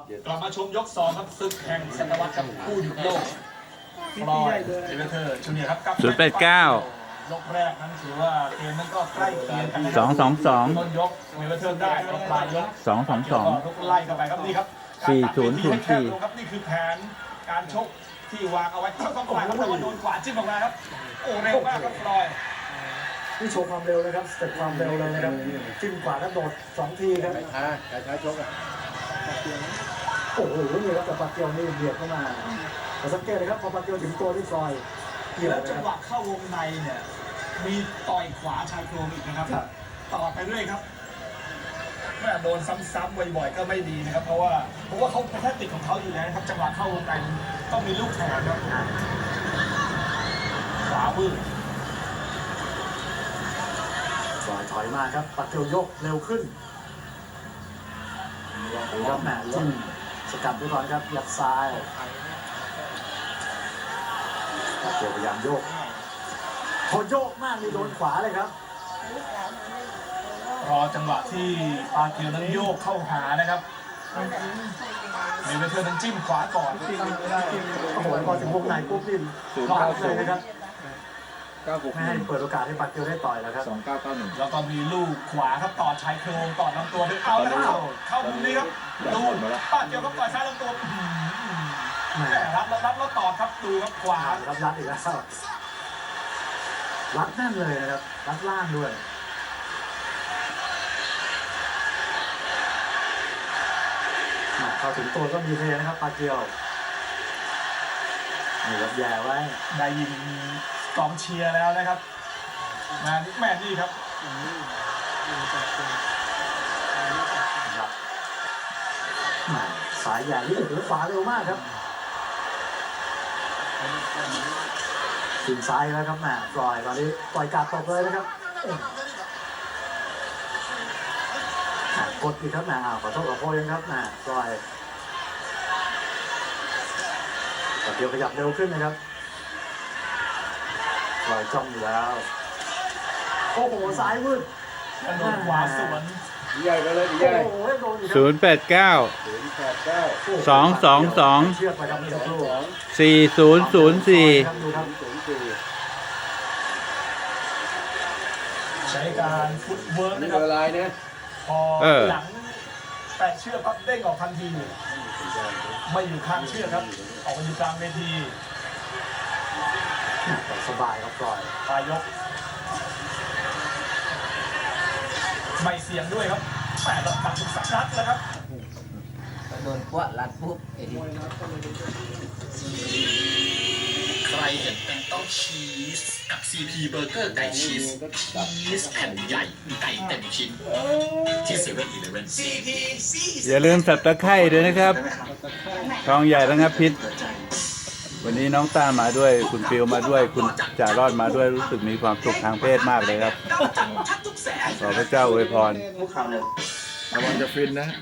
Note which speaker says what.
Speaker 1: กลับมาชมยก2ครับศึกแห่งศตวรรษกับผู้หยุดโลกฟลอยด์เอเวอร์เทอร์จูเนียร์ครับ
Speaker 2: 089
Speaker 1: ยกแรกนั้นถือว่าเกมนั้นก็ใกล้เคียงกันนะครั
Speaker 2: 222
Speaker 1: ต้นยกเอเวอร์เทอร์ได้ตอนปลายยก
Speaker 2: 222
Speaker 1: ทุกไล่เข้าไปครับนี่ครับ
Speaker 2: 4004
Speaker 1: ครับนี่คือแผนการชกที่วางเอาไว้ทั้งสองฝ่ายครับแต่ว่าโดนขวาจิ้มออกมาครับโอ้เร็วมากครับฟลอยด์
Speaker 3: นี่โชว์ความเร็วนะครับสเต็ปความเร็วเลยนะครับจิ้มขวาแล้วโดด2 ทีครับ
Speaker 4: ช้าชกอ่ะ
Speaker 3: โอ้โหนี่ครับแต่ปาเกียวนี่เบียดเข้ามาแต่สังเกตเลยครับพอปาเกียวถึงตัวที่ซอยเกี่ยว
Speaker 1: แล้ว
Speaker 3: นะ
Speaker 1: จัง
Speaker 3: ค
Speaker 1: หวะ
Speaker 3: รับ
Speaker 1: เข้าวงในเนี่ยมีต่อยขวาชายโครงอีกนะครับต่อไปเรื่อยครับแม่โดนซ้ำๆบ่อยๆก็ไม่ดีนะครับเพราะว่าเขาเป็นแค่ติดของเขาอยู่แล้วนะครับจังหวะเข้าวงในต้องมีลูกแถมครับขวาวืด
Speaker 3: ซอยถอยมาครับปาเกียวยกเร็วขึ้นดูครับแหมจิ้มสกัดไว้ก่อนครับยัดซ้ายปาเกียวพยายามโยกพอโยกมากนี่โดนขวาเลยครับ
Speaker 1: รอจังหวะที่ปาเกียวนั้นโยกเข้าหานะครับเมเวเทอร์นั้นจิ้มขวาก่อน
Speaker 3: โอ้โหพอถึงวงในปุ๊บนี่พลาดเลยนะครับ
Speaker 4: 9
Speaker 3: ไม่ให้เปิดโอกาสให้ปาเกียวได้ต่อยแล้วครับ
Speaker 4: 2991
Speaker 1: แล้วก็มีลูกขวาครับต่อชายโครงต่อลำตัวด้วยเอาแล้วเข้ามุมนี้ครับดูปาเกียวครับต่อยซ้ายลำตัว
Speaker 3: แหม
Speaker 1: รับแล้วต่อครับดูครับขวา
Speaker 3: รับรัดอีกแล้วรัดแน่นเลยนะครับรัดล่างด้วยเข้าถึงตัวก็มีเทนะครับปาเกียวนี่ครับแย่ไว้
Speaker 1: ได้ยินกองเชียร์แล้วนะครับมาแม่นี่ครับ
Speaker 3: ครับแหมสายใหญ่ที่ถือขวาเร็วมากครับถึงซ้ายแล้วครับแหมปล่อยตอนนี้ปล่อยกาดตกเลยนะครับกดอีกครับแหมขอโทษขอโพยครับแหมปล่อยแต่เดียวขยับเร็วขึ้นนะครับปล่อยจ้องอยู่แล้วโอ้โหซ้ายมืด
Speaker 1: กระโดดขวาสวน
Speaker 4: ใหญ่ไปเลยให
Speaker 3: โอ้
Speaker 4: ญ่
Speaker 3: โหโดนอีกครับ
Speaker 2: 089 222
Speaker 3: เชือกไปครับเมื่อสักครู่
Speaker 2: 4004
Speaker 3: ครับดูครับ
Speaker 1: ใช้การฟุตเวิร์ก
Speaker 4: นี่
Speaker 1: นะค
Speaker 4: เบ
Speaker 1: รับ
Speaker 4: อร์ไลน์นะ
Speaker 1: พอหลังแตะเชือกปั๊บเด้งออกทันทีไม่อยู่ข้างเชือกครับออกมาอยู่กลางเวที
Speaker 3: สบายครับปล่อย
Speaker 1: ปลายยกไม่เสียงด้วยครับแต่ระดับสุดสักนัดแล้วครับ
Speaker 5: โดนพวกรัดปุ๊บไอ้ที่
Speaker 6: ใครเห็นเป็นต้องชีสกับ CP เบอร์เกอร์ไก่ชีสชีสแผ่นใหญ่ไก่เต็มชิ้นที่เซเว่นอีเลฟเว่น CP
Speaker 2: อย่าลืมสับตะไคร้ด้วยนะครับทองใหญ่ระงับพิษ วันนี้น้องต้ามาด้วย คุณฟิวมาด้วย คุณจ่ารอดมาด้วย รู้สึกมีความสุขทางเพศมากเลยครับ ขอพระเจ้าอวยพร
Speaker 5: พวกเขาเลย
Speaker 4: ระวังจะฟินนะ